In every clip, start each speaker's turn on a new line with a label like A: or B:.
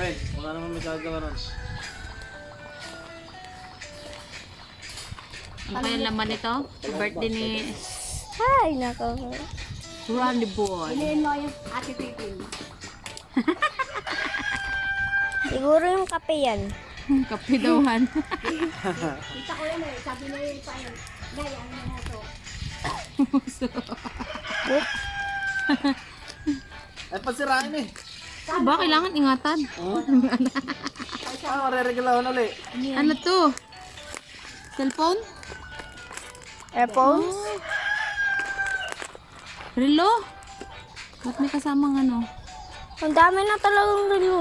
A: Friend, wala naman may gagawa ron.
B: Ano kaya laman nito? Birthday ni
C: Ay, nako.
B: Randy Boy.
D: Piliin mo yung ate Pipin.
C: Siguro yung kape yan.
B: Kapidawan.
D: Kita ko yan eh. Sabi na yun pa yun. Gaya, ano na to?
A: Ay, pasirain eh.
B: Ba, kailangan ingatan.
A: Mareregalawan ulit.
B: Ano to? Cellphone?
C: Airphones?
B: Relo? Ba't may kasamang ano?
C: Ang dami na talagang relo.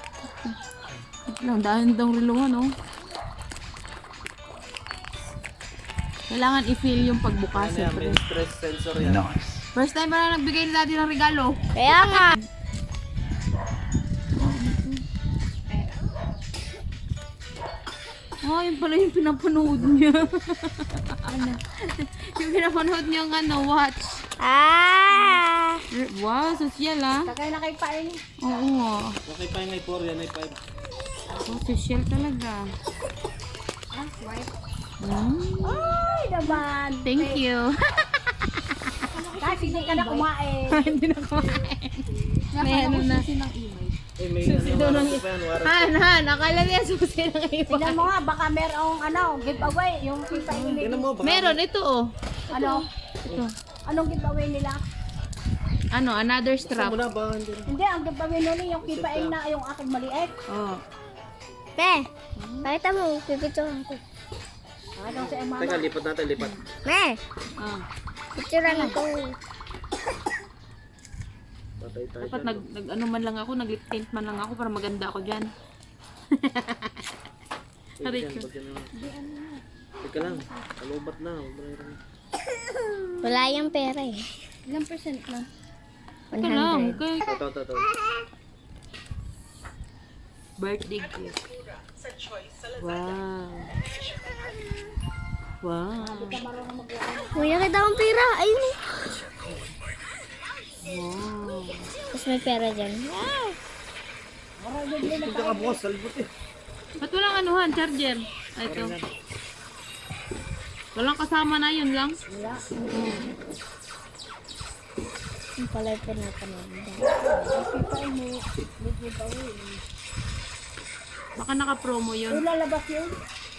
B: Ang dahil daw relo ano? Kailangan i-feel yung pagbukas.
A: Ano yan, may stress sensor yan.
B: First time pa na nagbigay ni daddy ng regalo.
C: Kaya nga.
B: Oh, yun pala yung pinapanood niya. Ano? Yung pinapanood niya ng ano, watch.
C: Ah!
B: Wow, social ah.
D: Tagay na kay Pain.
B: Oo.
A: Okay pa yung ay 4, yan ay 5.
B: Oh, social talaga.
D: Ah, white.
C: Ay, naman.
B: Thank you.
D: Kahit hindi ka na kumain.
B: Hindi na kumain. May ano na.
A: Eh, may ano pa yan, warranty.
B: Han, akala niya susi ng iba.
D: Tignan mo nga, baka merong ano, giveaway. Yung Pain
A: Tingnan mo, baka
B: Meron, ito oh.
D: Ano?
B: Ito.
D: Anong giveaway nila?
B: Ano, another
A: gusto
B: strap.
A: mo na ba? Hindi.
D: Hindi, ang giveaway nila yung Pain na yung aking maliit.
B: Oh.
C: Me, pakita mo. Pipicturean ko.
D: Ano si Emma?
A: Teka, lipat natin, lipat.
C: Me,
B: Ah.
C: picturean ako.
A: Patay tayo
B: Dapat
A: dyan.
B: nag ano man lang ako, nag-lip tint man lang ako para maganda ako diyan. Aray ko.
A: Teka lang, kalubat na.
C: Wala yung pera eh.
D: Ilang percent lang?
B: Ito lang,
C: 100.
B: kay
A: Ito.
B: birthday gift. Wow. Wow.
C: May nakita akong pera. Ayun eh.
B: Wow.
C: Tapos may pera dyan. Wow.
A: Ito ka bukas, salibot eh.
B: Ba't walang anuhan, charger? Ah, ito. Walang kasama na yun lang.
C: Yung pala yung pinapanood.
D: Pain mo, may giveaway.
B: Baka naka-promo yun.
D: Lalabas yun?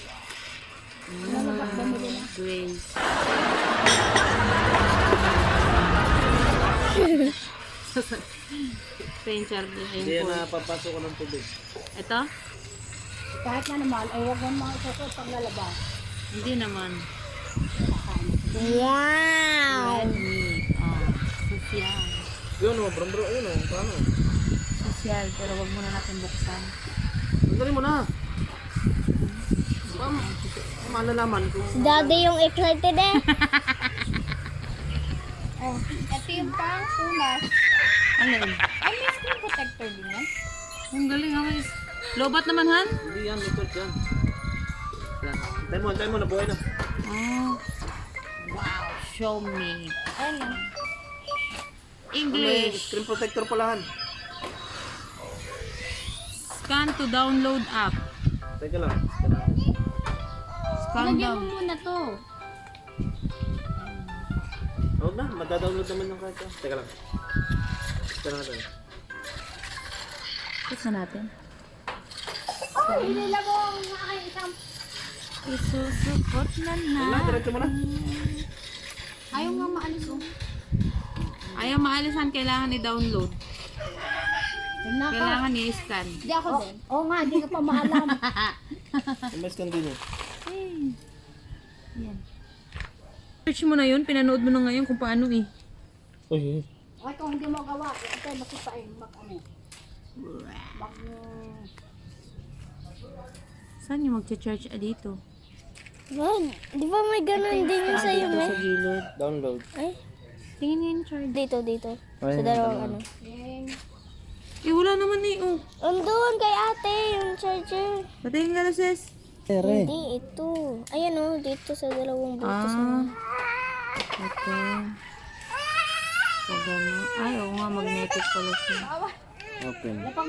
B: Grace. Ito yung charger.
A: Hindi
B: Ayun
A: yan
B: po.
A: napapasok ko ng tubig.
B: Ito?
D: Kahit na naman, ay huwag mo mga isasot pang lalabas.
B: Hindi naman.
C: Wow.
B: Redmi. Oh, social.
A: Yun o, bro, yun o, paano?
B: Social, pero wag muna natin buksan.
A: Sandali mo na. Malalaman kung...
C: Si Daddy yung excited eh.
D: Oh, ito yung pang punas.
B: Alin?
D: Ay, may screen protector din yan.
B: Ang galing ha, guys. Lobat naman, Han?
A: Hindi yan, likod yan. Yan. Tayo mo, nabuhay na.
B: Oh. Wow, show me.
D: Ayun lang.
A: May
B: English.
A: screen protector pala han.
B: Scan to download app.
A: Teka lang.
B: Scan
D: Lagyan
B: down.
D: mo muna to.
A: Huwag na, madadownload naman yung kahit yan. Teka lang. Teka lang natin.
B: Ito natin.
D: Oh, hinila mo ang aking isang...
B: Isusupot na na.
A: Wala, diretso mo na.
D: Ayaw nga maalis oh.
B: Ayaw maalisan, kailangan i-download.
D: Naka.
B: Kailangan i-scan.
D: Hindi ako din. Oo nga, hindi ka pa maalam.
A: Mas continue.
B: Yan. Search mo na yun, pinanood mo na ngayon kung paano eh.
A: Uy,
D: Ay, kung hindi mo gawa, ito masipain, ano.
B: Saan yung magcha-charge dito?
C: Man, di ba may ganun din yung sa'yo,
B: Dito
C: me?
B: sa gilid.
A: download.
C: Ay,
B: Tingin nga yung charge.
C: dito.
A: Ay,
C: Sa dalawang ano.
B: Eh, wala naman eh. Oh.
C: Andun kay ate, yung charger.
B: Patayin ka na, sis.
C: Hindi, ito. Ayan o, dito sa dalawang butas.
B: Ah. Ito. Pag ano. Ay, oo nga, magnetic pala siya.
A: Open.